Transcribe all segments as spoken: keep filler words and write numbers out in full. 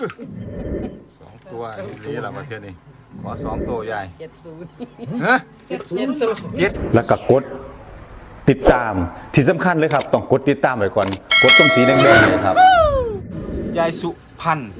สองตัวนี่แหละประเทศนี้ขอสองตัวใหญ่เจ็ดศูนย์ฮะเจ็ดศูนย์เจ็ดแล้วก็กดติดตามที่สำคัญเลยครับต้องกดติดตามไว้ก่อนกดตรงสีแดงๆเลยครับยายสุพันธ์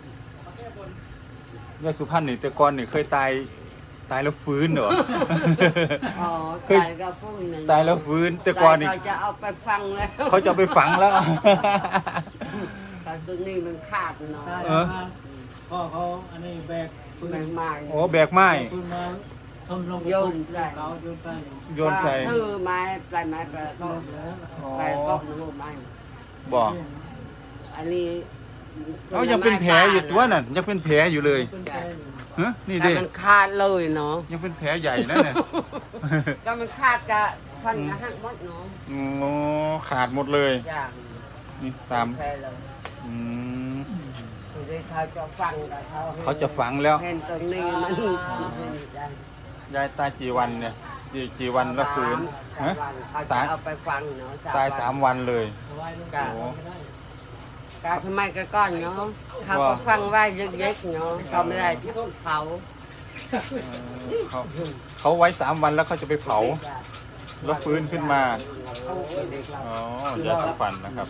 ยายสุพันธ์นี่แต่ก่อนนี่เคยตายตายแล้วฟื้นเหรออ๋อเคยตายก็พวกนั้นตายแล้วฟื้นแต่ก่อนนี่เขาจะเอาไปฟังแล้วเขาจะเอาไปฝังแล้วแต่ตัวนี้มันขาดเนาะเออพ่อเขาอันนี้แบกปืนแมงไม้โอ้แบกไม้ปืนมาทำลงโยนใส่เขาโยนใส่โยนใส่ถือไม้ปลายไม้ปลายก็แล้วปลายก็หนูไม้บอกอันนี้เขายังเป็นแผลอยู่ตัวนั่นยังเป็นแผลอยู่เลยเป็นแค่นี้ฮะนี่แต่ดิมันขาดเลยเนาะยังเป็นแผลใหญ่นะเนี่ยก็มันขาดจะฟันกระหักหมดเนาะโอ้ขาดหมดเลยอย่างนี่ตามแพ้เลยอืมคือได้เขาจะฟังแต่เขาเขาจะฝังแล้วเห็นตรงนี้มันยายตายกี่วันเนี่ยกี่กี่วันแล้วฟื้นสาฮะมวันเขาสาจะมเอาไปฟังเนาะตายสามวันเลยเอาไว้ลงจ้ะโอ้ไม่ได้กาทำไมก็ก้อนเนาะเขาก็ฟังไว้เยอะๆเนาะเขาไม่ได้ที่เผาเขาเขาไว้สามวันแล้วเขาจะไปเผา แล้วฟื้นขึ้นมา อ๋อยาสีฟันนะครับ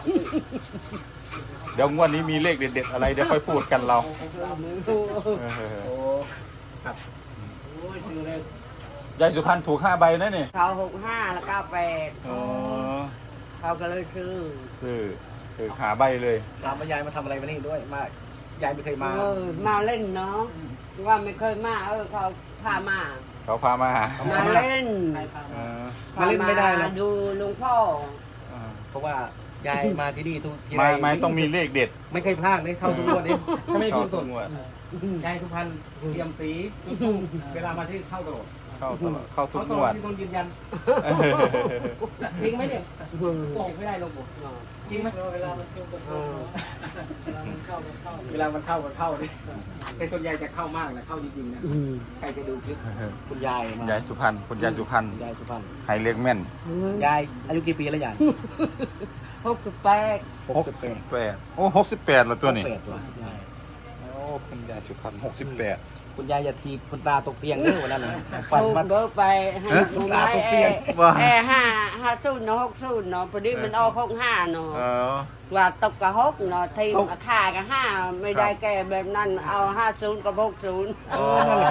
เดี๋ยวงวดนี้มีเลขเด็ดๆอะไรเดี๋ยวค่อยพูดกันเราเออโอ้ครับโอ้ยซื้อเลยยายสุพรรณถูกห้าใบนะนี่เขาหกห้าแล้วก็แปดอ๋อเขาก็เลยซื้อซื้อซื้อหาใบเลยถามว่ายายมาทำอะไรมานี่ด้วยมายายไม่เคยมาเออมาเล่นเนาะว่าไม่เคยมาเออเขาพามาเขาพามาหามาเล่นใครพาเอมาอมาเล่นไม่ได้นะดูลุงพ่อเออเพราะว่ายายมาที่นี่ทุกทีไม้ไรไม้ต้องมีเลขเด็ดไม่เคยพลาดเลยเข้าทุกงวดเลยถ้าไม่เข้าพิมพ์สทุดกงวดยายทุกพันเตรียมสีเวลามาที่เข้าตลอดเข้าตลอดเข้าทุเขากตงลวอดดที่ต้องยืนยันจริงไหมเนี่ยโกหกไม่ได้ลงผมจริงไหมเวลามันเข้าก็เข้าเวลามันเข้าก็เข้าเวลามันเข้าก็เข้าดิแต่ส่วนใหญ่จะเข้ามากนะเข้าจริงๆนะใครจะดูคลิปคุณยายมายายสุพรรณคุณยายสุพรรณยายสุพรรณให้เลขแม่นยายอายุกี่ปีแล้วยายหกสิบแปดหกสิบแปดโอ้หกสิบแปดแล้วตัวนี้แปดตัวยายโอ้คุณยายสุพรรณหกสิบแปดคุณยายอย่าทีบคุณตาตกเตียงเด้อวันนั้นนะฟันถูกมาเบอร์ไปให้ฮะหมูตาไม้ตกเตีแอยงร์ว่าแอร์ห้าห้าศูนย์เนาะหกศูนย์เนาะพอดีมันออกหกห้าเนาะเออว่าตกกับหกเนาะทีมท่ากับห้าไม่ได้แก่แบบนั้นเอาห้าศูนย์กับหกศูนย์อ๋อ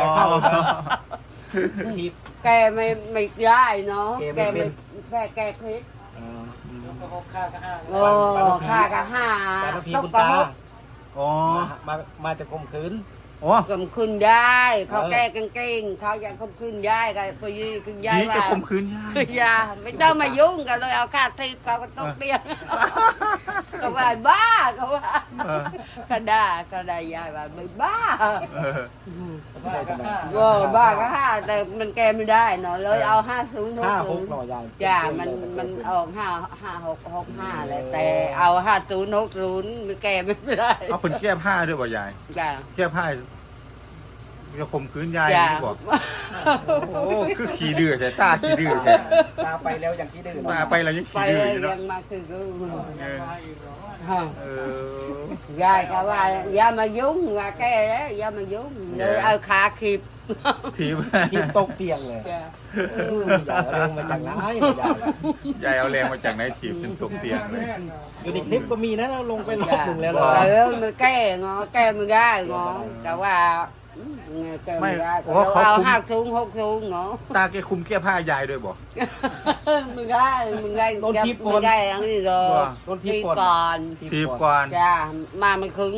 ทีบแกไม่ไม่ได้เนาะแกแกไม่ไม่เป็นแกแกพิษก็หกข้าก็ห้าโอ้ค่ากับห้าแต่ถ้าทีตคุกณกับตาหกอ๋อมามาจะข่มขืนโอ้กำคืนยายเขาเออแก้กางเกงเขาอยากข่มคืนยายก็ไปยืนคืนยายผีจะว่าข่มขืนยายอยาไม่ต้องมายุ่งกันเลยเอาค่าทีเขาก็ต้องเปลี่ยนก็ว่าบ้าก็ว่าเออก็ได้ก็ได้ยายว่าไม่บ้าเออห้าก็ห้าโอ้บ้าก็ห้าแต่มันแก้ไม่ได้เนาะเลยเอาห้าศูนย์หกห้าหศูกนย์หน่อยายจ้ามันมันออกห้าห้าหกหกห้าแหละแต่เอาห้าศูนย์หกศูนย์ไม่แก้ไม่ได้เอาเป็นแก้ผ้าด้วยบ่ยายจ้าแก้ผ้าจะข่มขืนยายจ้านี่บอกโอ้คือขี่ดื้อแต่ตาขี่ดื้อแท้ตาไปแล้วอย่างที่ดื้อมาไปแล้วยังไปขี่ดื้อเลยอยู่เนาะยังมาคือกูเออมาอีกเหรอฮะเออยายก็ว่าอย่ามายุ่งว่าแกอย่ามายุ่งเลยเอาขาขีบทีมทีบตกเตียงเลยจ้าเอออย่าเร็วมาจากไหนยายยายเอาแรงมาจากไหนถีบจนตกเตียงเลยอยู่ในคลิปก็มีนะเราลงไปรอบจ้าหนึ่งแล้วแต่เราแล้วมันแก้งอแก้ไม่ได้งอแต่ว่าแก้ไม่ได้ก็เอาห้าศูนย์หกศูนย์งอตาแกคุมแก้ผ้ายายด้วยบอกมึงได้มึงได้มึงได้อันนี้เลยทีก่อนทีบก่อนจ้ามามันคึง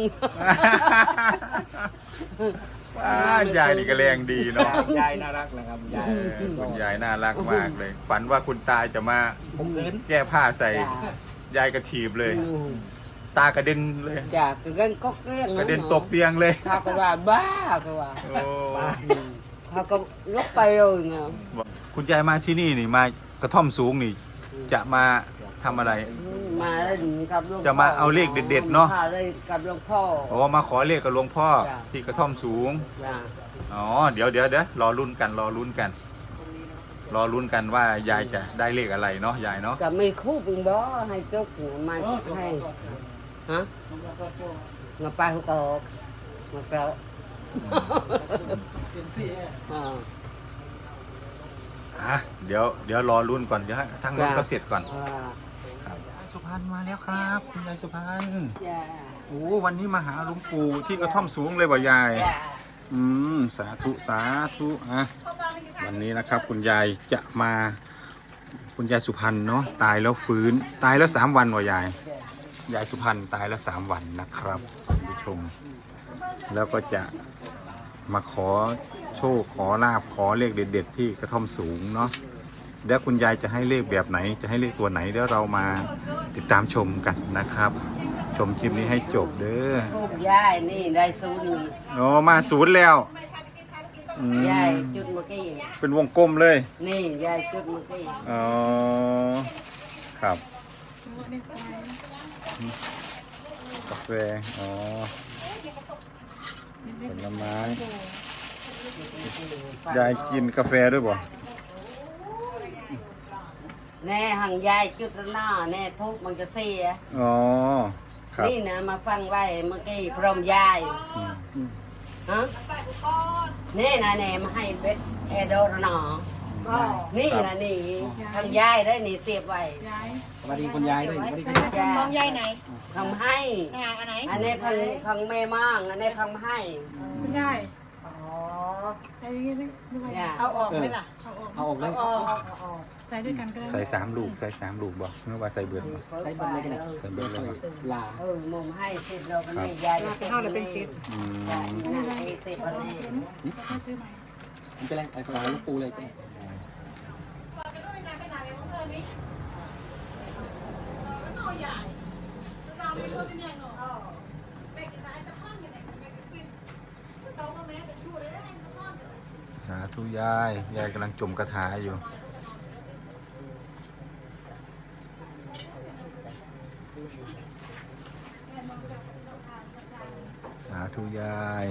ว้ายายนี่ก็แรงดีเนาะยายน่ารักนะครับยายเออคุณยายน่ารักมากเลย ฝันว่าคุณตาจะมาข่มขืนแก้ผ้าใส่ยายกระถีบเลย ตากระเด็นเลยจ้ากระเด็นก็เกลี้ยงกระเด็นตกเตียงเลยเขาก็ว่าบ้าก็ว่าโอ้เขาก็ยกไปเลยไงคุณยายมาที่นี่นี่มากระท่อมสูงนี่ จะมาทำอะไรมาเล่นกับหลวงพ่อจะมาเอาเลขเด็ดๆเนาะมาเล่นกับหลวงพ่อโอ้มาขอเลขกับหลวงพ่อจ้ะที่กระท่อมสูงจ้าอ๋อ เดี๋ยวเดี๋ยวเดี๋ยวรอลุ้นกัน รอลุ้นกัน รอลุ้นกันว่ายายจะได้เลขอะไรเนาะยายเนาะก็ไม่คู่เป็นบ่ให้จุกมาให้ฮะผมแล้วก็โจ้งาปลาหุกออกงาเปล่าเสียงสี่อ่าอ่ะเดี๋ยวเดี๋ยวรอรุ่นก่อนเดี๋ยวให้ทางรถเขาเสร็จก่อนอ่าครับสุพรรณมาแล้วครับคุณยายสุพรรณจ้าโอ้วันนี้มาหาหลวงปู่ที่กระท่อมสูงเลยบ่ยายจ้าอืมสาธุสาธุอ่ะวันนี้นะครับคุณยายจะมาคุณยายสุพรรณเนาะตายแล้วฟื้นตายแล้วสามวันว่ายายยายสุพรรณตายแล้วสามวันนะครับคุณผู้ชม แล้วก็จะมาขอโชคขอลาบขอเลขเด็ดๆที่กระท่อมสูงเนาะเดี๋ยวคุณยายจะให้เลขแบบไหนจะให้เลขตัวไหนเดี๋ยวเรามาติดตามชมกันนะครับ ชมคลิปนี้ให้จบเด้อทูบยายนี่ได้ศูนย์โอ้มาศูนย์แล้วอืมยายจุดเมื่อกี้เป็นวงกลมเลยนี่ยายจุดเมื่อกี้อ๋อครับกาแฟอ๋อผลไม้ยายกินกาแฟด้วยบ่แน่หังยายจุดหน้าแน่ทุกมันจะเสียอ๋อครับนี่นะมาฟังไว้เมื่อกี้พร้อมยายอืมฮะนี่นะแน่มาให้เบ็ดแอโดรนอนี่นะนี่ทางยายได้นี่เสียบไว้ย้ายสวัสดีคุณยายด้วยสวัสดีคุณยายยายน้องยายไหนทำให้งานอันไหนอันนี้ทางทางแม่มั่งอันนี้ทำให้คุณยายอ๋อใส่ยังไงไหมดูไว้ยาเอาออกไหมล่ะเอาออกเอาออกเลยเอาออกใส่ด้วยกันก็ได้ใส่สามลูกใส่สามลูกบ่เมื่อว่าใส่เบิดบ่ใส่เบนเลยกันนะใส่เบิดเลยลาเออมุมให้เสร็จเราก็ไม่ยายจะเท่าเลยเป็นสิบอืมยายนะให้เสร็จวันนี้แค่ซื้อใหม่มันเป็นไรไอ้ปลาลูกปูเลยก็ได้สาธุยายยายกำลังจมกระถาอยู่สาธุยาย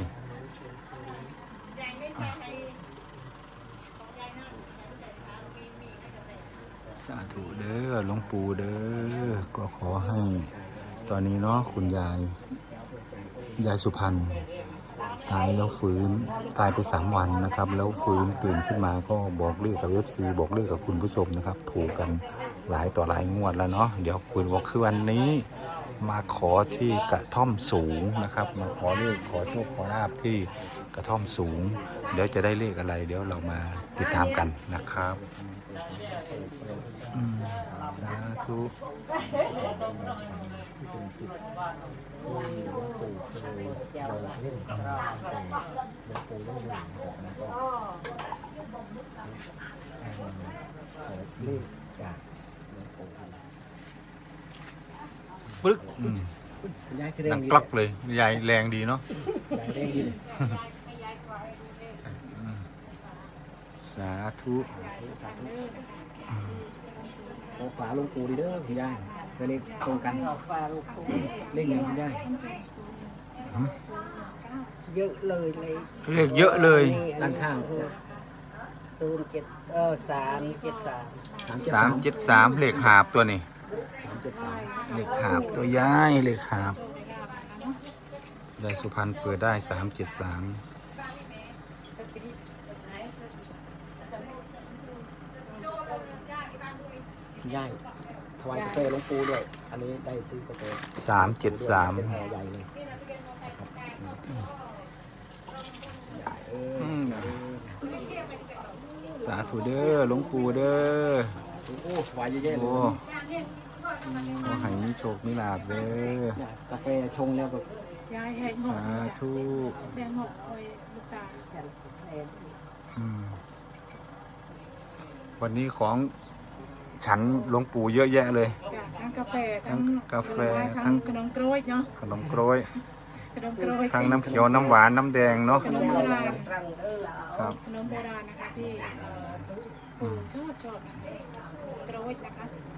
สาธุเด้อหลวงปู่เด้อก็ขอให้ตอนนี้เนาะคุณยายยายสุพรรณตายแล้วฟื้นตายไปสามวันนะครับแล้วฟื้นตื่นขึ้นมาก็บอกเลขกับเอฟซีบอกเลขกับคุณผู้ชมนะครับถูกกันหลายต่อหลายงวดแล้วเนาะเดี๋ยวคุณบอกคือวันนี้มาขอที่กระท่อมสูงนะครับมาขอเลขขอโชคขอลาบที่กระท่อมสูง เดี๋ยวจะได้เลขอะไร เดี๋ยวเรามาติดตามกันนะครับอืมสาธุเลขจากปึ๊กอืมคุณยายคือแรดังงดีกลักเลยยายแรงดีเนาะยายแรงดีสาธุโอ้ฝาลูกปูดีเด้อคุณยายเป็นเลขตรงกันเราฟาลูกปูเลขหนึ่งคุณยายเยอะเลยเลยเลขเยอะเลยด้านข้างศูนย์เจ็ดเออสามเจ็ดสามสามเจ็ดสามเลขหาบตัวนี้สามเจ็ดสามเลขหาบตัวยายเลขหาบยายสุพรรณเปิดได้สามเจ็ดสามคุณยายถวายกาแฟหลวงปูด้วย อันนี้ได้ซื้อกาแฟสามเจ็ดสามเป็นห่อใหญ่เลยนะครับใหญ่เออสาธุเด้อหลวงปู่เด้อโอ้ถวายเยอะแยะเลโอ้ยขอให้มีโชคมีลาภเด้อเนี่ยกาแฟชงแล้วแบบยายแหกหมสาดธุแดงหมดคอยลูกตาอืมวันนี้ของฉันหลวงปู่เยอะแยะเลยจากทั้งกาแฟทั้งกาแฟทั้ทั้งงขนมกล้วยเนาะขนมกล้วยขนมกล้วยทั้งน้ำเขียวน้ำหวานน้ำแดงเนาะขนมโบราณรังเออครับขนมโบราณนะคะที่ปู่ชอบชอบนะคะกล้วยนะคะ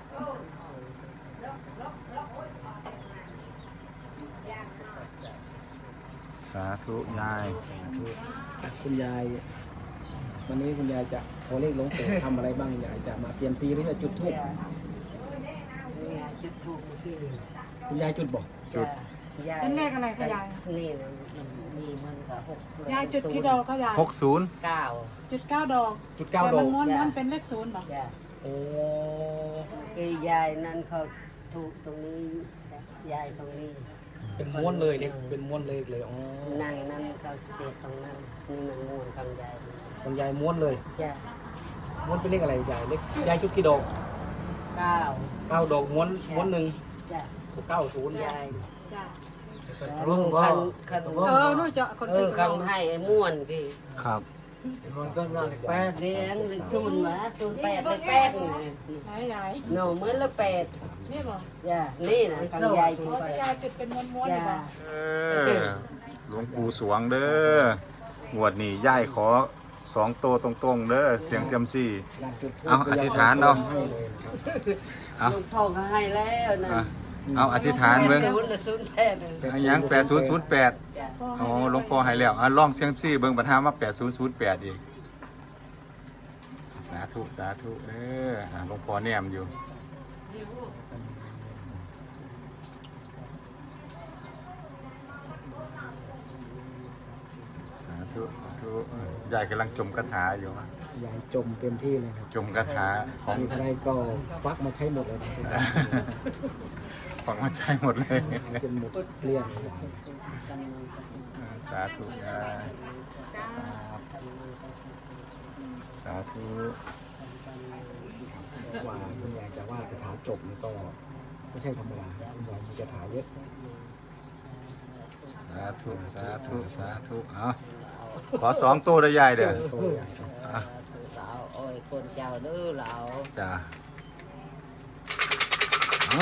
สาธุยายคุณยาย วันนี้คุณยายจะขอเลขหลวงปู่ทำอะไรบ้างยายจะมาเซียมซีหรือจะจุดธูปจุดถูกที่คุณยายจุดบอกจุดอยายเป็นเลขอะไรคะยายนี่นะมันมีมันกับหกยายจุดกี่ดอกคะยายหกศูนย์เก้าจุดเก้าดอกจุดเก้าแต่ดอมันกม้วนจ้ะม้วนเป็นเลขศูนย์บอกจ้ะโอ้คือยายนั่นเขาถูกตรงนี้ยายตรงนี้เป็นม้วนเลยเนี่ยเป็นม้วนเลยเลยอ๋อนั่งนั่นเขาเจ็บตรงนั้นนี่มันงูนของยายของยายม้วนเลยจ้ะม้วนเป็นเลขอะไรยายเลขยายจุดกี่ดอกเก้าเก้าดอกม้วนม้วนหนึ่งจ้ะเก้าศูนย์ยายจ้ะรุ่งคันคันเออนู่นจะคนเออื่อน คำให้ไอ้ม่วนกี่ครับมันก็น่าแปดเลี้ยงศูนย์มาศูนย์แปดเลยแปดนี่ไหนยายหนูเหมือนละแปดนี่บอกจ้ะนี่นะของยายอ๋อแต่ยายจุดเป็นม้วนม้วนๆจ้ะเลยบอกเออหลวงปู่สวงเด้องวดนี้ย่ายขอสองโตวตรงๆเด้อเสียงเซียมซี่อยากจุดธูปเอาอธิษฐานเอาให้เลยครับเอาลุงพ่อก็ให้แล้วนะอ่ะเอาอธิษฐานเบิ่งศูนย์ละศูนย์แปดเลยอันยังแปดศูนย์ศูนย์แปดจ้ะอ๋อหลวงพ่อให้แล้วอ่ะลองเสียงซี่เบิ่งปัญหามาแปดศูนย์ศูนย์แปดอีกสาธุสาธุเด้ออ่ะหลวงพ่อแนมอยู่สาธุสาธุเออยายกำลังจมคาถาอยู่ยายจมเต็มที่เลยครับจมคาถาของมีเท่าไรก็ควักมาใช้หมดเลยครับฝังมาใช้หมดเลยจนหมดเกลี้ยงเลยสาธุนะสาธุว่าคุณยายจะว่าคาถาจบนี่ก็ไม่ใช่ธรรมดาคุณยายมีคาถาเยอะสาธุสาธุสาธุเอาขอสองตัวได้ยายเด้อโตใหญ่ครับอ่ะเราโอ้ยคนเจ้าเด้อเราจ้าเอา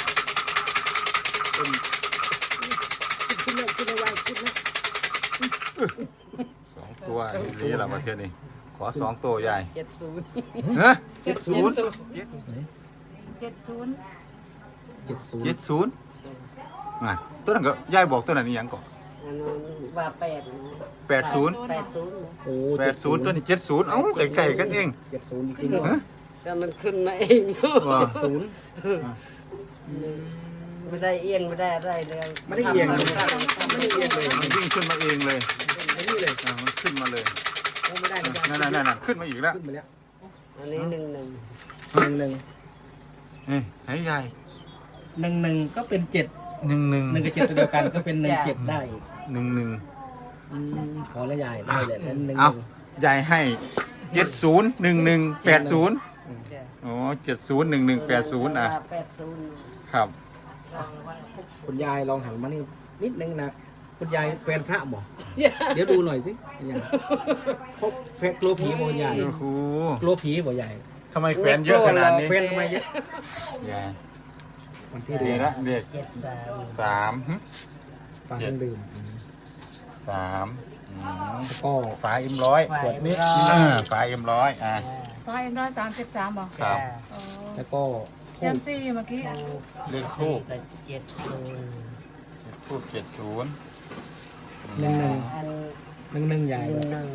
สองตัวนี่ละมาเทียนี่ขอสองตัวใหญ่เจ็ดศูนย์ฮะเจ็ดศูนย์เจ็ดศูนย์เจ็ดศูนเจ็ดย์ศูนย์อ่ะตัวนั้นก็ยายบอกตัวนั้นนี่ยังก่อนอันนั้นว่าแปดนะแปดศูนย์แปดศูนย์นะโอ้แปดศูนย์ตัวนี้เจ็ดศูนย์เอ้าไก่ๆกันเองเจ็ดศูนย์จริงฮะก็มันขึ้นมาเองว่าศูนย์ไม่ได้เอียงไม่ได้อะไรเลยไม่ได้เอียงทำเลยมาตั้งไม่ได้เอียงเลยมันวิ่งขึ้นมาเองเลยไม่นี่เลยอ่ะมันขึ้นมาเลยโอ้ไม่ได้ไม่ได้นั่นนั่นนั่นขึ้นมาอีกแล้วขึ้นมาแล้วอันนี้หนึ่งหนึ่งหนึ่งหนึ่งเฮ้ยให้ยายหนึ่งหนึ่งก็เป็นเจ็ดหนึ่งหนึ่งหนึ่งกับเจ็ดตัวเดียวกันก็เป็นหนึ่งเจ็ดได้อีกหนึ่งหนึ่งอืมขอละยายได้เลยแล้วหนึ่งหเอานึ่งยายให้เจ็ดศูนย์หนึ่งหนึ่งแปดศูนย์จ้ะอ๋อเจ็ดศูนย์หนึ่งหนึ่งแปดศูนย์อ่ะว่าแปดศูนย์ครับคุณยายลองหันมานี่นิดนึงนะคุณยายแฟนพระบอกเดี๋ยวดูหน่อยสิคุณยายพบแฟนกลัวผีบ่คุณยายโอ้โหกลัวผีบ่ยายทำไมแขวนเยอะขนาดนี้แฟนทำไมเยอะยายวันที่เด็เดีกยวละเด็กเจ็ดสามสามหึฟังเครื่องดื่มสามอืมแล้วก็ฝาเอ็มร้อยฝ่ายขวดนี้ร้อยอ่าฝาเอ็มร้อยอ่ะไฟเอ็มร้อยสามสิบสามบอกครับจ้ะอ๋อแล้วก็แซมซี่เมื่อกี้เลขทูบก็เจ็ดศูนย์ทูบเจ็ดศูนย์หนึ่งหนึ่งอันหนึ่งหนึ่งใหญ่หนึ่งหนึ่ง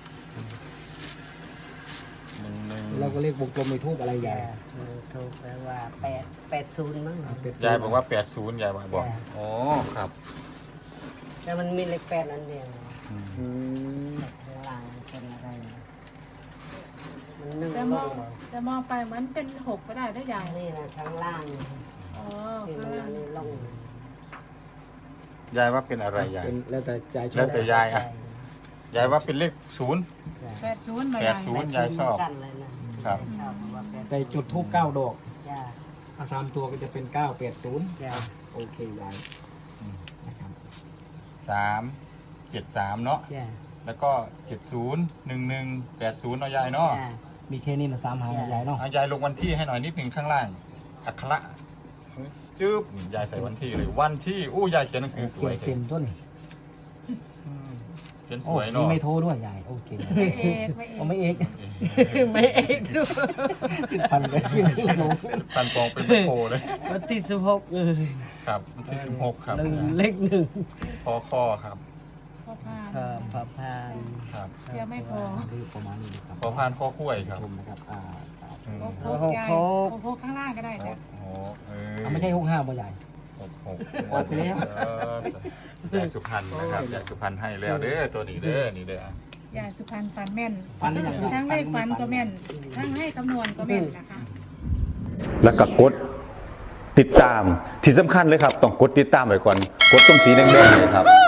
หนึ่งหนึ่งเราก็เรียกวงกลมในทูบอะไรใหญ่จ้ะถูกแปลว่าแปดแปดศูนย์มั้งเป็ดยายบอกว่าแปดศูนย์ยายบอกบอกอ๋อครับแต่มันมีเลขแปดอันเดียวอืมอืมข้างล่างเป็นอะไรนะมันหนึ่งแต่มลองงแต่มองไปเหมือนเป็นหกก็ได้ได้ยายนี่นะข้างล่างอ๋อที่ข้างมันล่างอันนี้ลงยายว่าเป็นอะไรยายเป็นแล้วแต่ใจชแล้อวบแต่ยายอ่ะ ยายว่าเป็นเลขศูนย์แปดศูนย์มาแปยาดยศูนย์ ยายชอบกันเลยนะครับ ชอบว่าแปดแต่จุดทูบเก้าดอกจ้าอาสามตัวก็จะเป็นเก้าแปดศูนย์จ้าโอเคยายนะครับสามเจ็ดสามเนาะจ้าแล้วก็เจ็ดศูนย์หนึ่งหนึ่งแปดศูนย์เนาะยายเนาะจ้ามีแค่นี้นะสามหางยายเนาะเอายายลงวันที่ให้หน่อยนิดหนึ่งข้างล่าง อักขระจึ๊บยายใส่วันที่เลยวันที่อู้ยายเขียนหนังสือสเขีวย ยนเต็มต้นนี่เขียนสโอ้วยมีเนาะไม่โทรด้วยยายโอเคไม่เอกไม่เอเอากไม่เอกไม่เอกด้วยพันเลยปันปองเป็นไม่โทรเลยวันที่สิบหกเออครับวันที่สิบหกครับหนึ่งเลขหนึ่งพอข้อครับพ่อพานพอพอพานครับเดี๋ยวไม่พอนี่ประมาณนี้นะครับพอพานข้อคุ้ยครับชมนะครับอ่าสาธุอืมโคกยายโคกข้างล่างก็ได้โอ้จ้ะโหเอออ่ะไม่ใช่หกห้าบ่ใหญ่หกหกออกไปแล้วเออยายสุพรรณนะครับยายสุพรรณให้แล้วเด้อตัวนี้เด้อนี่เด้อยายสุพรรณฟันแม่นฟันได้อย่างทั้งเลขฟันก็แม่นทั้งให้คำนวณก็แม่นนะคะแล้วก็กดติดตามที่สำคัญเลยครับต้องกดติดตามไว้ก่อนกดตรงสีแดงๆเลยครับ